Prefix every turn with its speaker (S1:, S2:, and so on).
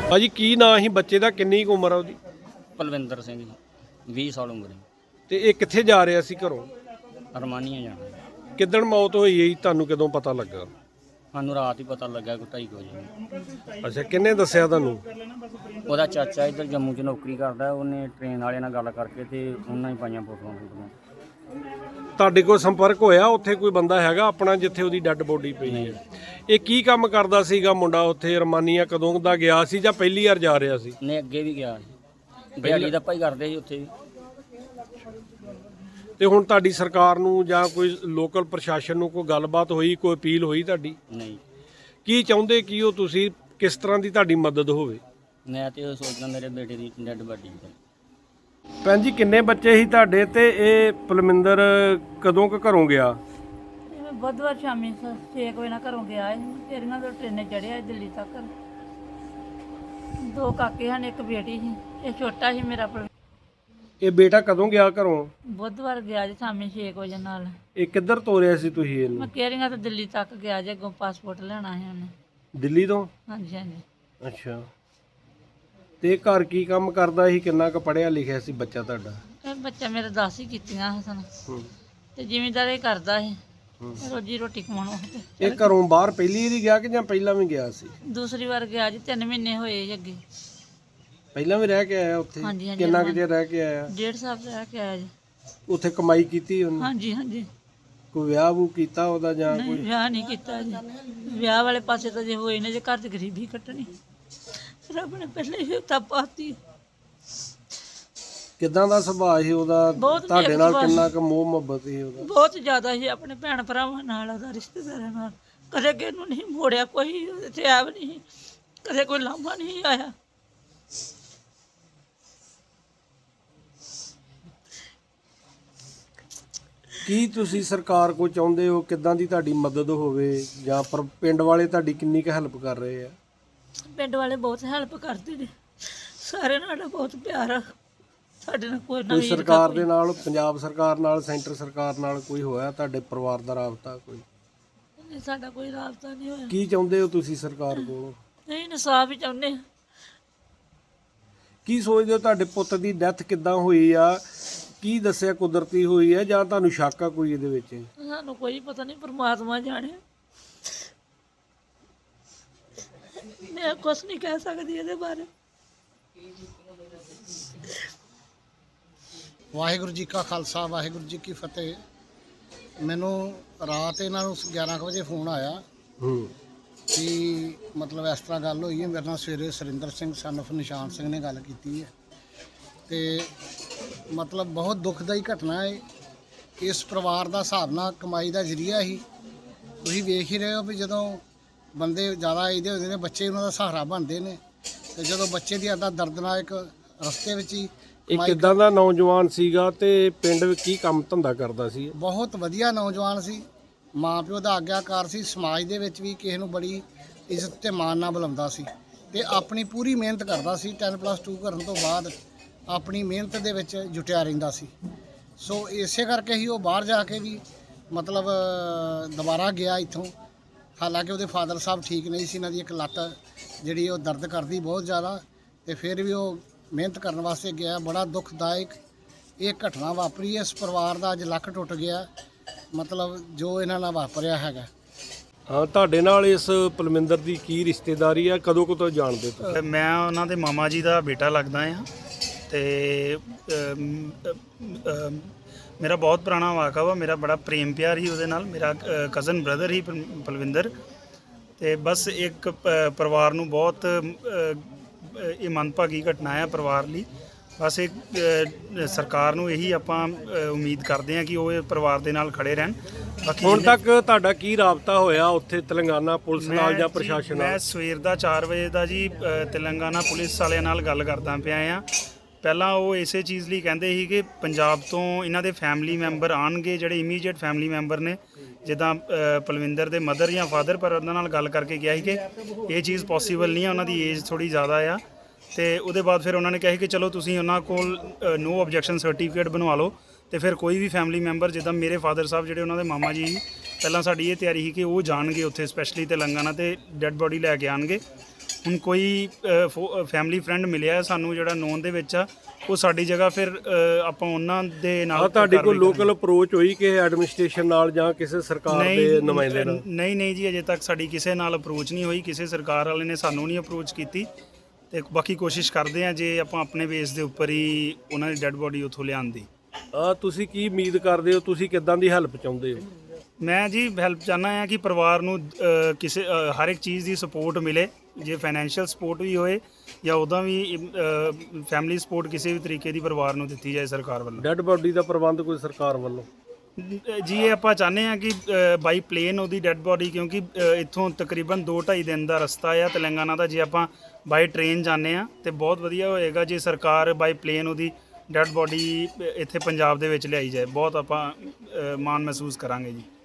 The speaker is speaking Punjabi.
S1: ਭਾਜੀ ਕੀ ਨਾਂ ਸੀ ਬੱਚੇ ਦਾ, ਕਿੰਨੀ ਕੁ ਉਮਰ ਆ ਉਹਦੀ?
S2: ਪਲਵਿੰਦਰ ਸਿੰਘ ਜੀ, 20 ਸਾਲ ਉਮਰ ਹੈ।
S1: ਤੇ ਇਹ ਕਿੱਥੇ ਜਾ ਰਿਹਾ ਸੀ ਘਰੋਂ?
S2: ਅਰਮਾਨੀਆਂ ਜਾਣਾ।
S1: ਕਿੱਦਣ ਮੌਤ ਹੋਈ ਹੈ, ਤੁਹਾਨੂੰ ਕਦੋਂ ਪਤਾ ਲੱਗਾ?
S2: ਸਾਨੂੰ ਰਾਤ ਹੀ ਪਤਾ ਲੱਗਾ ਕੋਈ 2:30 ਵਜੇ।
S1: ਅੱਛਾ, ਕਿੰਨੇ ਦੱਸਿਆ ਤੁਹਾਨੂੰ?
S2: ਉਹਦਾ ਚਾਚਾ ਇੱਧਰ ਜੰਮੂ 'ਚ ਨੌਕਰੀ ਕਰਦਾ, ਉਹਨੇ ਟ੍ਰੇਨ ਵਾਲਿਆਂ ਨਾਲ ਗੱਲ ਕਰਕੇ ਤੇ ਉਹਨਾਂ ਹੀ ਪਾਈਆਂ ਫੋਟੋਆਂ।
S1: ਤੁਹਾਡੇ ਕੋਲ ਸੰਪਰਕ ਹੋਇਆ ਉੱਥੇ ਕੋਈ ਬੰਦਾ ਹੈਗਾ ਆਪਣਾ ਜਿੱਥੇ ਉਹਦੀ ਡੈੱਡ ਬੋਡੀ ਪਈ ਹੈ? ਇਹ ਕੀ ਕੰਮ ਕਰਦਾ ਸੀਗਾ ਮੁੰਡਾ ਉੱਥੇ ਅਰਮਾਨੀਆ? ਕਦੋਂ ਦਾ ਗਿਆ ਸੀ ਜਾਂ ਪਹਿਲੀ ਵਾਰ ਜਾ ਰਿਹਾ ਸੀ?
S2: ਨੇ ਅੱਗੇ ਵੀ ਗਿਆ ਸੀ, ਦਿਹਾੜੀ ਦਾ ਭਾਈ ਕਰਦੇ ਸੀ ਉੱਥੇ ਵੀ।
S1: ਤੇ ਹੁਣ ਤੁਹਾਡੀ ਸਰਕਾਰ ਨੂੰ ਜਾਂ ਕੋਈ ਲੋਕਲ ਪ੍ਰਸ਼ਾਸਨ ਨੂੰ ਕੋਈ ਗੱਲਬਾਤ ਹੋਈ, ਕੋਈ ਅਪੀਲ ਹੋਈ ਤੁਹਾਡੀ?
S2: ਨਹੀਂ।
S1: ਕੀ ਚਾਹੁੰਦੇ ਕੀ ਹੋ ਤੁਸੀਂ, ਕਿਸ ਤਰ੍ਹਾਂ ਦੀ ਤੁਹਾਡੀ ਮਦਦ ਹੋਵੇ?
S2: ਮੈਂ ਤੇ ਉਹ ਸੋਚਦਾ ਮੇਰੇ ਬੇਟੇ ਦੀ ਡੈਡ ਬਾਡੀ।
S1: ਭੈਣ ਜੀ ਕਿੰਨੇ ਬੱਚੇ ਸੀ ਤੁਹਾਡੇ, ਤੇ ਇਹ ਪਲਵਿੰਦਰ ਕਦੋਂ ਕੁ ਘਰੋਂ ਗਿਆ?
S3: ਬੁੱਧਵਾਰ ਸ਼ਾਮੀ 6 ਵਜੇ ਨਾਲ ਘਰੋਂ ਗਿਆ ਸੀ। ਤੇਰੀਆਂ ਤੋਂ ਟ੍ਰੇਨੇ ਚੜਿਆ ਦਿੱਲੀ ਤੱਕ। 2 ਕਾਕੇ ਹਨ, ਇੱਕ ਬੇਟੀ ਸੀ। ਇਹ ਛੋਟਾ ਸੀ ਮੇਰਾ।
S1: ਇਹ ਬੇਟਾ ਕਦੋਂ ਗਿਆ ਘਰੋਂ?
S3: ਬੁੱਧਵਾਰ ਗਿਆ ਜੀ ਸ਼ਾਮੀ 6 ਵਜੇ ਨਾਲ।
S1: ਇਹ ਕਿੱਧਰ ਤੋਰਿਆ ਸੀ ਤੁਸੀਂ ਇਹਨੂੰ?
S3: ਮੈਂ ਕਹਿ ਤੋਂ ਦਿੱਲੀ ਤੱਕ ਗਿਆ ਜੇ, ਅੱਗੋਂ ਪਾਸਪੋਰਟ ਲੈਣਾ ਸੀ ਉਹਨੇ।
S1: ਦਿੱਲੀ ਤੋਂ?
S3: ਹਾਂਜੀ ਹਾਂਜੀ।
S1: ਅੱਛਾ, ਤੇ ਘਰ ਕੀ ਕੰਮ ਕਰਦਾ ਸੀ? ਕਿੰਨਾ ਕੁ ਪੜ੍ਹਿਆ ਲਿਖਿਆ ਸੀ ਬੱਚਾ ਤੁਹਾਡਾ?
S3: ਇਹ ਬੱਚਾ ਮੇਰੇ 10 ਹੀ ਕੀਤੀਆਂ ਸਨ ਤੇ ਜ਼ਿਮੀਂਦਾਰੀ ਕਰਦਾ ਸੀ, ਰੋਜੀ ਰੋਟੀ ਕਮਾਉਣ ਵਾਸਤੇ।
S1: ਇਹ ਘਰੋਂ ਬਾਹਰ ਪਹਿਲੀ ਵਾਰੀ ਗਿਆ ਕਿ ਜਾਂ ਪਹਿਲਾਂ ਵੀ ਗਿਆ ਸੀ?
S3: ਦੂਸਰੀ ਵਾਰ ਗਿਆ ਜੀ, 3 ਮਹੀਨੇ ਹੋਏ ਜੀ ਅੱਗੇ।
S1: ਪਹਿਲਾਂ ਵੀ ਰਹਿ ਕੇ ਆਇਆ ਉੱਥੇ?
S3: ਹਾਂਜੀ ਹਾਂਜੀ।
S1: ਕਿੰਨਾ ਕੁ ਚਿਰ ਰਹਿ ਕੇ ਆਇਆ?
S3: 1.5 ਸਾਲ ਰਹਿ ਕੇ ਆਇਆ ਜੀ।
S1: ਉੱਥੇ ਕਮਾਈ ਕੀਤੀ ਉਹਨੇ?
S3: ਹਾਂਜੀ ਹਾਂਜੀ।
S1: ਕੋਈ ਵਿਆਹ ਵੂ ਕੀਤਾ ਉਹਦਾ ਜਾਂ
S3: ਨਹੀਂ,
S1: ਕੋਈ?
S3: ਵਿਆਹ ਨਹੀਂ ਕੀਤਾ ਜੀ। ਵਿਆਹ ਵਾਲੇ ਪਾਸੇ ਤਾਂ ਜੇ ਹੋਏ ਨੇ, ਜੇ ਘਰ 'ਚ ਗਰੀਬੀ ਕੱਟਣੀ, ਰੱਬ ਨੇ ਪਹਿਲੇ ਹੀ ਤਾਂ ਪਾਤੀ।
S1: ਕਿੱਦਾਂ ਦਾ ਸੁਭਾਅ ਸੀ ਉਹਦਾ?
S3: ਬਹੁਤ
S1: ਤੁਹਾਡੇ
S3: ਨੇਕ
S1: ਨਾਲ
S3: ਸੁਭਾਅ
S1: ਕਿੰਨਾ ਕੁ ਮੋਹ ਮੁਹੱਬਤ ਸੀ ਉਹਦਾ?
S3: ਬਹੁਤ ਜ਼ਿਆਦਾ ਸੀ, ਆਪਣੇ ਭੈਣ ਭਰਾਵਾਂ ਨਾਲ, ਉਹਦਾ ਰਿਸ਼ਤੇਦਾਰਾਂ ਨਾਲ। ਕਦੇ ਕਿਸੇ ਨੂੰ ਨਹੀਂ ਮੋੜਿਆ, ਕੋਈ ਇੱਥੇ ਐਬ ਨਹੀਂ, ਕਦੇ ਕੋਈ ਲਾਂਭਾ ਨਹੀਂ ਆਇਆ।
S1: ਕੀ ਤੁਸੀਂ ਸਰਕਾਰ ਕੋਲ ਚਾਹੁੰਦੇ ਹੋ, ਕਿੱਦਾਂ ਦੀ ਤੁਹਾਡੀ ਮਦਦ ਹੋਵੇ, ਜਾਂ ਪਰ ਪਿੰਡ ਵਾਲੇ ਤੁਹਾਡੀ ਕਿੰਨੀ ਕੁ ਹੈਲਪ ਕਰ ਰਹੇ ਆ?
S3: ਪਿੰਡ ਵਾਲੇ ਬਹੁਤ ਹੈਲਪ ਕਰਦੇ ਨੇ, ਸਾਰੇ ਨਾਲ ਬਹੁਤ ਪਿਆਰ ਆ ਸਾਡੇ ਨਾਲ। ਕੋਈ
S1: ਕੋਈ ਸਰਕਾਰ ਦੇ ਨਾਲ, ਪੰਜਾਬ ਸਰਕਾਰ ਨਾਲ, ਸੈਂਟਰ ਸਰਕਾਰ ਨਾਲ ਕੋਈ ਹੋਇਆ ਤੁਹਾਡੇ ਪਰਿਵਾਰ ਦਾ ਰਾਬਤਾ? ਕੋਈ
S3: ਨਹੀਂ, ਸਾਡਾ ਕੋਈ ਰਾਬਤਾ ਨਹੀਂ ਹੋਇਆ।
S1: ਕੀ ਚਾਹੁੰਦੇ ਹੋ ਤੁਸੀਂ ਸਰਕਾਰ ਕੋਲੋਂ?
S3: ਨਹੀਂ, ਇਨਸਾਫ ਹੀ ਚਾਹੁੰਦੇ ਹਾਂ।
S1: ਕੀ ਸੋਚਦੇ ਹੋ ਤੁਹਾਡੇ ਪੁੱਤ ਦੀ ਡੈਥ ਕਿੱਦਾਂ ਹੋਈ ਆ? ਕੀ ਦੱਸਿਆ ਕੁਦਰਤੀ ਹੋਈ ਹੈ ਜਾਂ ਤੁਹਾਨੂੰ ਸ਼ੱਕ ਆ ਕੋਈ ਇਹਦੇ ਵਿੱਚ?
S3: ਸਾਨੂੰ ਕੋਈ ਪਤਾ ਨਹੀਂ, ਪਰਮਾਤਮਾ ਜਾਣੇ। ਮੈਂ ਕੁਛ ਨਹੀਂ ਕਹਿ ਸਕਦੀ ਇਹਦੇ ਬਾਰੇ।
S4: ਵਾਹਿਗੁਰੂ ਜੀ ਕਾ ਖਾਲਸਾ, ਵਾਹਿਗੁਰੂ ਜੀ ਕੀ ਫਤਿਹ। ਮੈਨੂੰ ਰਾਤ ਇਹਨਾਂ ਨੂੰ 11 ਵਜੇ ਫੋਨ ਆਇਆ ਕਿ ਮਤਲਬ ਇਸ ਤਰ੍ਹਾਂ ਗੱਲ ਹੋਈ ਹੈ। ਮੇਰੇ ਨਾਲ ਸਵੇਰੇ ਸੁਰਿੰਦਰ ਸਿੰਘ ਸਨ ਆਫ ਨਿਸ਼ਾਨ ਸਿੰਘ ਨੇ ਗੱਲ ਕੀਤੀ ਹੈ, ਤੇ ਮਤਲਬ ਬਹੁਤ ਦੁਖਦਾਈ ਘਟਨਾ ਹੈ। ਇਸ ਪਰਿਵਾਰ ਦਾ ਹਿਸਾਬ ਨਾਲ ਕਮਾਈ ਦਾ ਜ਼ਰੀਆ ਹੀ ਤੁਸੀਂ ਵੇਖ ਹੀ ਰਹੇ ਹੋ ਵੀ ਜਦੋਂ ਬੰਦੇ ਜ਼ਿਆਦਾ ਇਹਦੇ ਹੁੰਦੇ ਨੇ, ਬੱਚੇ ਉਹਨਾਂ ਦਾ ਸਹਾਰਾ ਬਣਦੇ ਨੇ, ਤੇ ਜਦੋਂ ਬੱਚੇ ਦੀ ਇੱਦਾਂ ਦਰਦਨਾਕ ਰਸਤੇ ਵਿੱਚ ਹੀ।
S1: ਇਹ ਕਿੱਦਾਂ ਦਾ ਨੌਜਵਾਨ ਸੀਗਾ ਤੇ ਪਿੰਡ ਵਿੱਚ ਕੀ ਕੰਮ ਧੰਦਾ ਕਰਦਾ ਸੀ?
S4: ਬਹੁਤ ਵਧੀਆ ਨੌਜਵਾਨ ਸੀ, ਮਾਂ ਪਿਓ ਦਾ ਆਗਿਆਕਾਰ ਸੀ, ਸਮਾਜ ਦੇ ਵਿੱਚ ਵੀ ਕਿਸੇ ਨੂੰ ਬੜੀ ਇੱਜ਼ਤ ਤੇ ਮਾਣ ਨਾਲ ਬੁਲਾਉਂਦਾ ਸੀ, ਤੇ ਆਪਣੀ ਪੂਰੀ ਮਿਹਨਤ ਕਰਦਾ ਸੀ। 10+2 ਕਰਨ ਤੋਂ ਬਾਅਦ ਆਪਣੀ ਮਿਹਨਤ ਦੇ ਵਿੱਚ ਜੁਟਿਆ ਰਹਿੰਦਾ ਸੀ। ਸੋ ਇਸੇ ਕਰਕੇ ਹੀ ਉਹ ਬਾਹਰ ਜਾ ਕੇ ਵੀ ਮਤਲਬ ਦੁਬਾਰਾ ਗਿਆ ਇੱਥੋਂ। ਹਾਲਾਂਕਿ ਉਹਦੇ ਫਾਦਰ ਸਾਹਿਬ ਠੀਕ ਨਹੀਂ ਸੀ, ਇਹਨਾਂ ਦੀ ਇੱਕ ਲੱਤ ਜਿਹੜੀ ਉਹ ਦਰਦ ਕਰਦੀ ਬਹੁਤ ਜ਼ਿਆਦਾ, ਤੇ ਫਿਰ ਵੀ ਉਹ ਮਿਹਨਤ ਕਰਨ ਵਾਸਤੇ ਗਿਆ। ਬੜਾ ਦੁਖਦਾਇਕ ਇਹ ਘਟਨਾ ਵਾਪਰੀ। ਇਸ ਪਰਿਵਾਰ ਦਾ ਅੱਜ ਲੱਕ ਟੁੱਟ ਗਿਆ, ਮਤਲਬ ਜੋ ਇਹਨਾਂ ਨਾਲ ਵਾਪਰਿਆ ਹੈਗਾ।
S1: ਹਾਂ, ਤੁਹਾਡੇ ਨਾਲ ਇਸ ਪਲਵਿੰਦਰ ਦੀ ਕੀ ਰਿਸ਼ਤੇਦਾਰੀ ਆ? ਕਦੋਂ ਤੋਂ ਜਾਣਦੇ ਤੁਸੀਂ?
S5: ਮੈਂ ਉਹਨਾਂ ਦੇ ਮਾਮਾ ਜੀ ਦਾ ਬੇਟਾ ਲੱਗਦਾ ਹਾਂ, ਤੇ ਮੇਰਾ ਬਹੁਤ ਪੁਰਾਣਾ ਵਾਕਾ ਵਾ। ਮੇਰਾ ਬੜਾ ਪ੍ਰੇਮ ਪਿਆਰ ਹੀ ਉਹਦੇ ਨਾਲ। ਮੇਰਾ ਕਜ਼ਨ ਬ੍ਰਦਰ ਹੀ ਪਲਵਿੰਦਰ। ਤੇ ਬਸ ਇੱਕ ਪਰਿਵਾਰ ਨੂੰ ਬਹੁਤ ਇਹ ਮੰਦਭਾਗੀ ਘਟਨਾ ਹੈ ਪਰਿਵਾਰ ਲਈ। ਬਸ ਇੱਕ ਸਰਕਾਰ ਨੂੰ ਇਹੀ ਆਪਾਂ ਉਮੀਦ ਕਰਦੇ ਹਾਂ ਕਿ ਉਹ ਇਹ ਪਰਿਵਾਰ ਦੇ ਨਾਲ ਖੜੇ ਰਹਿਣ। ਬਾਕੀ
S1: ਹੁਣ ਤੱਕ ਤੁਹਾਡਾ ਕੀ ਰਾਬਤਾ ਹੋਇਆ ਉੱਥੇ ਤੇਲੰਗਾਨਾ ਪੁਲਿਸ ਨਾਲ ਜਾਂ ਪ੍ਰਸ਼ਾਸਨ ਨਾਲ?
S5: ਮੈਂ ਸਵੇਰ ਦਾ 4 ਵਜੇ ਦਾ ਜੀ ਤੇਲੰਗਾਨਾ ਪੁਲਿਸ ਵਾਲਿਆਂ ਨਾਲ ਗੱਲ ਕਰਦਾ ਪਿਆ ਆ। ਪਹਿਲਾਂ ਉਹ ਇਸੇ ਚੀਜ਼ ਲਈ ਕਹਿੰਦੇ ਸੀ ਕਿ ਪੰਜਾਬ ਤੋਂ ਇਹਨਾਂ ਦੇ ਫੈਮਿਲੀ ਮੈਂਬਰ ਆਉਣਗੇ, ਜਿਹੜੇ ਇਮੀਡੀਏਟ ਫੈਮਿਲੀ ਮੈਂਬਰ ਨੇ, ਜਿੱਦਾਂ ਪਲਵਿੰਦਰ ਦੇ ਮਦਰ ਜਾਂ ਫਾਦਰ। ਪਰ ਉਹਨਾਂ ਨਾਲ ਗੱਲ ਕਰਕੇ ਕਿਹਾ ਸੀ ਕਿ ਇਹ ਚੀਜ਼ ਪੋਸੀਬਲ ਨਹੀਂ ਹੈ, ਉਹਨਾਂ ਦੀ ਏਜ ਥੋੜ੍ਹੀ ਜ਼ਿਆਦਾ ਆ। ਤੇ ਉਹਦੇ ਬਾਅਦ ਫਿਰ ਉਹਨਾਂ ਨੇ ਕਿਹਾ ਕਿ ਚਲੋ ਤੁਸੀਂ ਉਹਨਾਂ ਕੋਲ ਨੋ ਆਬਜੈਕਸ਼ਨ ਸਰਟੀਫਿਕੇਟ ਬਣਵਾ ਲਓ, ਤੇ ਫਿਰ ਕੋਈ ਵੀ ਫੈਮਿਲੀ ਮੈਂਬਰ, ਜਿੱਦਾਂ ਮੇਰੇ ਫਾਦਰ ਸਾਹਿਬ ਜਿਹੜੇ ਉਹਨਾਂ ਦੇ ਮਾਮਾ ਜੀ ਪਹਿਲਾਂ ਸਾਡੀ ਇਹ ਤਿਆਰੀ ਸੀ ਕਿ ਉਹ ਜਾਣਗੇ ਉੱਥੇ, ਸਪੈਸ਼ਲੀ ਤੇਲੰਗਾਨਾ, ਤੇ ਡੈੱਡ ਬੋਡੀ ਲੈ ਕੇ ਆਉਣਗੇ। ਹੁਣ ਕੋਈ ਫੈਮਿਲੀ ਫਰੈਂਡ ਮਿਲਿਆ ਸਾਨੂੰ ਜਿਹੜਾ ਨੋਨ ਦੇ ਵਿੱਚ ਆ, ਉਹ ਸਾਡੀ ਜਗ੍ਹਾ ਫਿਰ ਆਪਾਂ ਉਹਨਾਂ ਦੇ ਨਾਲ
S1: ਤੁਹਾਡੇ ਕੋਲ
S5: ਕਾਰਵਾਈ
S1: ਲੋਕਲ ਅਪਰੋਚ ਹੋਈ ਕਿ ਐਡਮਿਨਿਸਟ੍ਰੇਸ਼ਨ ਨਾਲ ਜਾਂ ਕਿਸੇ ਸਰਕਾਰ ਦੇ ਨੁਮਾਇੰਦੇ ਨਾਲ?
S5: ਨਹੀਂ ਜੀ, ਅਜੇ ਤੱਕ ਸਾਡੀ ਕਿਸੇ ਨਾਲ ਅਪਰੋਚ ਨਹੀਂ ਹੋਈ, ਕਿਸੇ ਸਰਕਾਰ ਵਾਲੇ ਨੇ ਸਾਨੂੰ ਨਹੀਂ ਅਪਰੋਚ ਕੀਤੀ। ਤੇ ਬਾਕੀ ਕੋਸ਼ਿਸ਼ ਕਰਦੇ ਆ ਜੇ ਆਪਾਂ ਆਪਣੇ ਬੇਸ ਦੇ ਉੱਪਰ ਹੀ ਉਹਨਾਂ ਦੀ ਡੈੱਡ ਬੋਡੀ ਉੱਥੋਂ ਲਿਆਉਣ ਦੀ।
S1: ਤੁਸੀਂ ਕੀ ਉਮੀਦ ਕਰਦੇ ਹੋ, ਤੁਸੀਂ ਕਿੱਦਾਂ ਦੀ ਹੈਲਪ ਚਾਹੁੰਦੇ ਹੋ?
S5: ਮੈਂ ਜੀ ਹੈਲਪ ਚਾਹੁੰਦਾ ਹਾਂ ਕਿ ਪਰਿਵਾਰ ਨੂੰ ਕਿਸੇ ਹਰ ਇੱਕ ਚੀਜ਼ ਦੀ ਸਪੋਰਟ ਮਿਲੇ, ਜੇ ਫਾਈਨੈਂਸ਼ੀਅਲ ਸਪੋਰਟ ਵੀ ਹੋਏ ਜਾਂ ਉਹਦਾ ਵੀ ਫੈਮਿਲੀ ਸਪੋਰਟ ਕਿਸੇ ਵੀ ਤਰੀਕੇ ਦੀ ਪਰਿਵਾਰ ਨੂੰ ਦਿੱਤੀ ਜਾਏ ਸਰਕਾਰ ਵੱਲੋਂ।
S1: ਡੈੱਡ ਬੋਡੀ ਦਾ ਪ੍ਰਬੰਧ ਕੋਈ ਸਰਕਾਰ ਵੱਲੋਂ?
S5: ਜੀ ਇਹ ਆਪਾਂ ਚਾਹੁੰਦੇ ਹਾਂ ਕਿ ਬਾਈ ਪਲੇਨ ਉਹਦੀ ਡੈੱਡ ਬੋਡੀ, ਕਿਉਂਕਿ ਇੱਥੋਂ ਤਕਰੀਬਨ 2-2.5 ਦਿਨ ਦਾ ਰਸਤਾ ਆ ਤੇਲੰਗਾਨਾ ਦਾ, ਜੇ ਆਪਾਂ ਬਾਈ ਟ੍ਰੇਨ ਜਾਂਦੇ ਆ ਤੇ ਬਹੁਤ ਵਧੀਆ ਹੋਏਗਾ ਜੇ ਸਰਕਾਰ ਬਾਈ ਪਲੇਨ ਉਹਦੀ ਡੈੱਡ ਬੋਡੀ ਇੱਥੇ ਪੰਜਾਬ ਦੇ ਵਿੱਚ ਲਿਆਈ ਜਾਏ। ਬਹੁਤ ਆਪਾਂ ਮਾਣ ਮਹਿਸੂਸ ਕਰਾਂਗੇ ਜੀ।